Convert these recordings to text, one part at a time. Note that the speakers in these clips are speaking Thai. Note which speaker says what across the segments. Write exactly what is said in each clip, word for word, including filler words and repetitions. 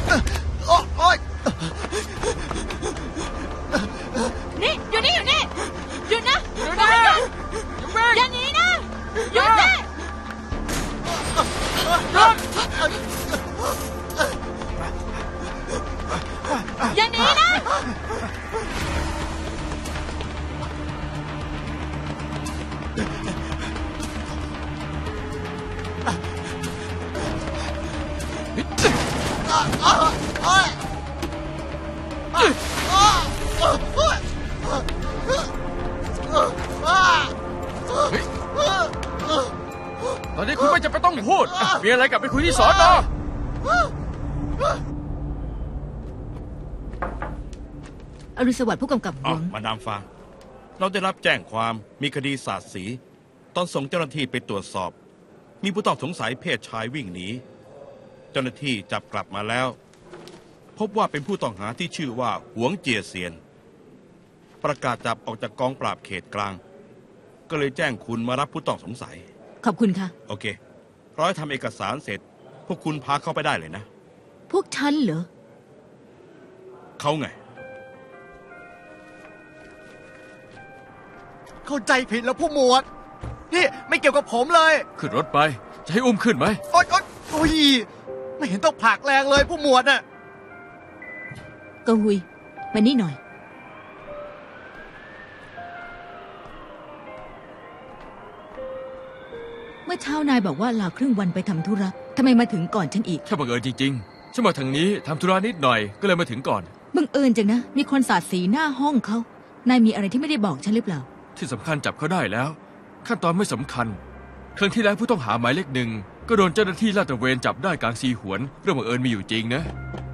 Speaker 1: โอ๊ย
Speaker 2: นี่อยู่นี่อยู่นี่หยุดนะหยุดนะอย่าหนีนะหยุดสิอย่าหนีนะ
Speaker 3: ตอนนี้คุณไม่จำเป็นต้องพูดมีอะไรกลับไปคุยที่สอนอ
Speaker 2: อรุณสวัสดิ์ผู้กำกับหลวง
Speaker 4: มาดามฟางเราได้รับแจ้งความมีคดีสาดสีตอนส่งเจ้าหน้าที่ไปตรวจสอบมีผู้ต้องสงสัยเพศชายวิ่งหนีเจ้าหน้าที่จับกลับมาแล้วพบว่าเป็นผู้ต้องหาที่ชื่อว่าหวงเจียเซียนประกาศจับออกจากกองปราบเขตกลางก็เลยแจ้งคุณมารับผู้ต้องสงสัย
Speaker 2: ขอบคุณค่ะ
Speaker 4: โอเคร้อยทำเอกสารเสร็จพวกคุณพาเข้าไปได้เลยนะ
Speaker 2: พวกฉันเหรอ
Speaker 4: เขาไง
Speaker 1: เข้าใจผิดแล้วผู้หมวดนี่ไม่เกี่ยวกับผมเลย
Speaker 3: ขึ้นรถไปจะให้อุ้มขึ้นไหม
Speaker 1: โอ๊ยโอ๊ยโอ้ยไม่เห็นต้องผลักแรงเลยผู้หมวดน่ะ
Speaker 2: กหุยมานี่หน่อยเมื่อเช้านายบอกว่าลาครึ่งวันไปทำธุระทำไมมาถึงก่อนฉันอีก
Speaker 3: แค่บังเอิญจริงๆฉันมาทางนี้ทำธุระนิดหน่อยก็เลยมาถึงก่อน
Speaker 2: บังเอิญจังนะมีคนสาดสีหน้าห้องเขานายมีอะไรที่ไม่ได้บอกฉันหรือเปล่า
Speaker 3: ที่สำคัญจับเขาได้แล้วขั้นตอนไม่สำคัญครั้งที่แล้วผู้ต้องหาหมายเลขหนึ่งก็โดนเจ้าหน้าที่ลาดตระเวนจับได้กลางซีหวนเรื่องบังเอิญมีอยู่จริงนะ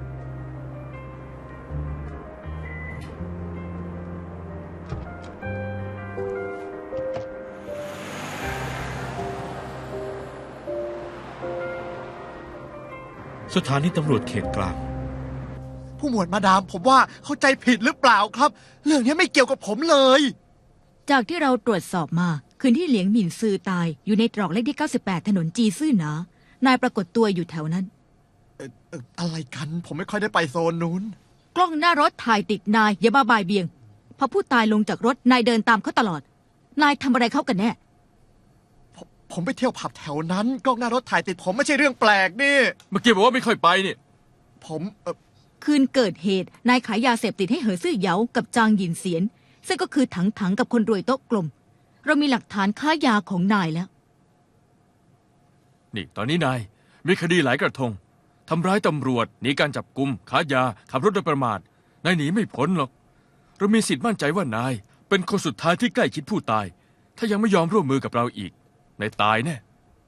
Speaker 4: สถานีตำรวจเขตกลาง
Speaker 1: ผู้หมวดมาดามผมว่าเข้าใจผิดหรือเปล่าครับเรื่องนี้ไม่เกี่ยวกับผมเลย
Speaker 2: จากที่เราตรวจสอบมาคืนที่เหลียงหมินซือตายอยู่ในตรอกเลขที่เก้าสิบแปดถนนจีซื่อหนานายปรากฏตัวอยู่แถวนั้น
Speaker 1: เอ่อเอ่ออะไรกันผมไม่ค่อยได้ไปโซนนู้น
Speaker 2: กล้องหน้ารถถ่ายติดนายอย่าบ้าบายเบียงพอผู้ตายลงจากรถนายเดินตามเขาตลอดนายทำอะไรเขากันแน่
Speaker 1: ผมผมไปเที่ยวผับแถวนั้นกล้องหน้ารถถ่ายติดผมไม่ใช่เรื่องแปลกนี่
Speaker 3: เมื่อกี้บอกว่าไม่ค่อยไปนี่
Speaker 1: ผมเออ
Speaker 2: คืนเกิดเหตุนายขายยาเสพติดให้เหอซื่อเหยากับจางหยินเสียนซึ่งก็คือถังถังกับคนรวยโต๊ะกลมเรามีหลักฐานค้ายาของนายแล้ว
Speaker 3: นี่ตอนนี้นายมีคดีหลายกระทงทำร้ายตำรวจหนีการจับกุมค้ายาขับรถโดยประมาทนายหนีไม่พ้นหรอกเรามีสิทธิ์มั่นใจว่านายเป็นคนสุดท้ายที่ใกล้ชิดผู้ตายถ้ายังไม่ยอมร่วมมือกับเราอีกนายตายแน่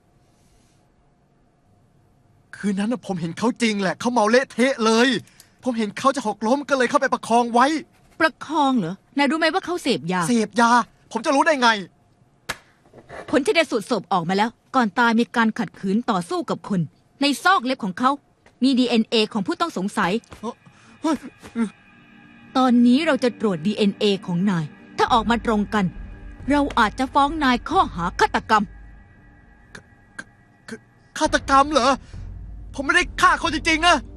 Speaker 1: คืนนั้นผมเห็นเขาจริงแหละเขาเมาเละเทะเลยผมเห็นเขาจะหกล้มก็เลยเข้าไปประคองไว้
Speaker 2: ประคองเหรอนายรู้ไหมว่าเขาเสพยา
Speaker 1: เสพยาผมจะรู้ได้ไง
Speaker 2: ผลชันสูตรศพออกมาแล้วก่อนตายมีการขัดขืนต่อสู้กับคนในซอกเล็บของเขามี ดี เอ็น เอ ของผู้ต้องสงสัยตอนนี้เราจะตรวจ ดี เอ็น เอ ของนายถ้าออกมาตรงกันเราอาจจะฟ้องนายข้อหาฆาตกรรม
Speaker 1: ฆาตกรรมเหรอผมไม่ได้ฆ่าคนจริงๆนะ